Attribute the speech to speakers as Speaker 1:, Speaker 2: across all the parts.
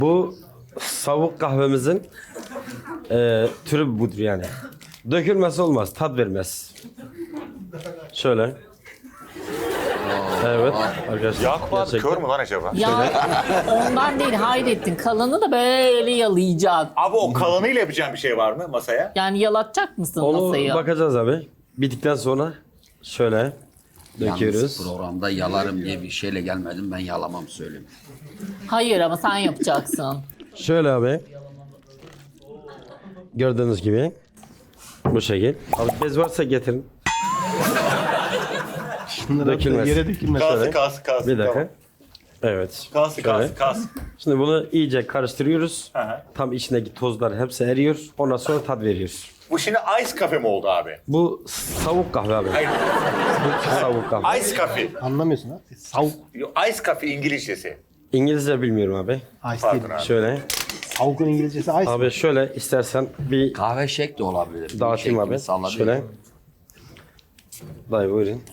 Speaker 1: Bu savuk kahvemizin türü budur yani. Dökülmesi olmaz, tat vermez. Şöyle. Evet arkadaşlar.
Speaker 2: Yakup abi
Speaker 1: gerçekten.
Speaker 2: kör mü lan acaba?
Speaker 3: Ya ondan değil Hayrettin. Kalanı da böyle yalayacaksın.
Speaker 2: Abi o kalanıyla yapacağım bir şey var mı masaya?
Speaker 3: Yani yalatacak mısın
Speaker 1: Onu
Speaker 3: masayı?
Speaker 1: bakacağız abi. Bittikten sonra şöyle döküyoruz.
Speaker 4: Yalnız programda yalarım diye bir şeyle gelmedim. Ben yalamam söyleyeyim.
Speaker 3: Hayır ama sen yapacaksın.
Speaker 1: Şöyle abi. Gördüğünüz gibi. Bu şekil. Abi bez varsa getirin. Dökülmez.
Speaker 5: Yere dökülmez.
Speaker 2: Kalsın.
Speaker 1: Bir dakika.
Speaker 2: Tamam.
Speaker 1: Evet.
Speaker 2: Kalsın.
Speaker 1: Şöyle. Şimdi bunu iyice karıştırıyoruz.
Speaker 2: hı.
Speaker 1: Tam içindeki tozlar hepsi eriyor. Ondan sonra tat veriyoruz.
Speaker 2: Bu şimdi ice kafe mi oldu abi?
Speaker 1: Bu savuk kahve abi.
Speaker 2: Hayır.
Speaker 1: Bu savuk kahve.
Speaker 2: Ice coffee.
Speaker 5: Anlamıyorsun ha? Savuk.
Speaker 2: Ice coffee İngilizcesi.
Speaker 1: İngilizce bilmiyorum abi.
Speaker 5: Ice
Speaker 2: Pardon
Speaker 5: değil.
Speaker 2: abi.
Speaker 1: Şöyle.
Speaker 5: Savukun İngilizcesi ice.
Speaker 1: Abi şöyle istersen bir
Speaker 4: Kahve şek de olabilir.
Speaker 1: dağıtayım
Speaker 4: Şeklini
Speaker 1: abi.
Speaker 4: sallayabilir.
Speaker 1: Şöyle. Dayı buyurun.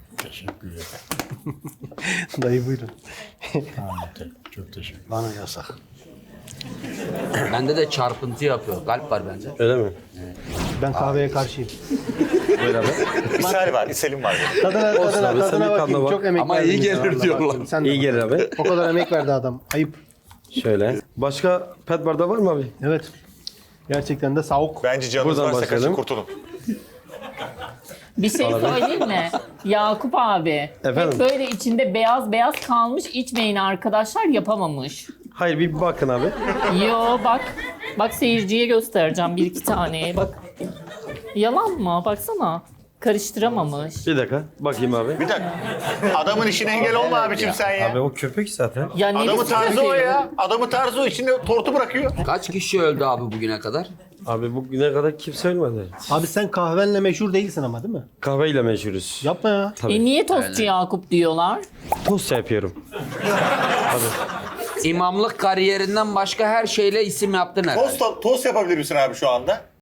Speaker 5: Dayı buyurun.
Speaker 6: Çok teşekkür
Speaker 5: Bana yasak.
Speaker 4: Bende de çarpıntı yapıyor. Kalp var bende.
Speaker 1: Öyle mi?
Speaker 5: Ben kahveye karşıyım.
Speaker 1: Buyur abi.
Speaker 2: İshalim var.
Speaker 5: Tadına,
Speaker 1: Olsun abi, sen bir
Speaker 5: tadına
Speaker 1: tadına
Speaker 5: bakayım.
Speaker 1: bak.
Speaker 5: Çok emek
Speaker 4: Ama
Speaker 5: verdi
Speaker 4: iyi
Speaker 5: bize,
Speaker 4: gelir
Speaker 5: vallahi
Speaker 4: diyorlar.
Speaker 5: bak. Sen de
Speaker 1: İyi
Speaker 5: bak.
Speaker 1: gelir abi.
Speaker 5: O kadar emek verdi adam. Ayıp.
Speaker 1: Şöyle. Başka pet barda var mı abi?
Speaker 5: Evet. Gerçekten de savuk.
Speaker 2: Bence canınız
Speaker 1: Buradan
Speaker 2: varsa kaçın
Speaker 1: başlayalım.
Speaker 2: kurtulun.
Speaker 3: Bir şey söyleyeyim mi? Yakup abi.
Speaker 1: Efendim?
Speaker 3: Hep böyle içinde beyaz beyaz kalmış, içmeyin arkadaşlar, yapamamış.
Speaker 1: Hayır bir bakın abi.
Speaker 3: Yo bak. Bak seyirciye göstereceğim bir iki taneye bak. Yalan mı? Baksana. Karıştıramamış.
Speaker 1: Bir dakika. Bakayım abi.
Speaker 2: Bir dakika. Adamın işine engel olma abicim sen ya.
Speaker 1: Abi o köpek zaten.
Speaker 3: Ya
Speaker 2: Adamın
Speaker 3: neresi
Speaker 2: tarzı o
Speaker 3: kötü?
Speaker 2: ya. Adamın tarzı o. İçinde tortu bırakıyor.
Speaker 4: Kaç kişi öldü abi bugüne kadar?
Speaker 1: Abi bugüne kadar kimse ölmedi.
Speaker 5: Abi sen kahvenle meşhur değilsin ama değil mi?
Speaker 1: Kahveyle meşhuruz.
Speaker 5: Yapma ya.
Speaker 1: Tabii.
Speaker 3: Niye tostçu Yakup diyorlar?
Speaker 1: Tost yapıyorum.
Speaker 4: İmamlık kariyerinden başka her şeyle isim yaptın herhalde.
Speaker 2: Tost yapabilir misin abi şu anda?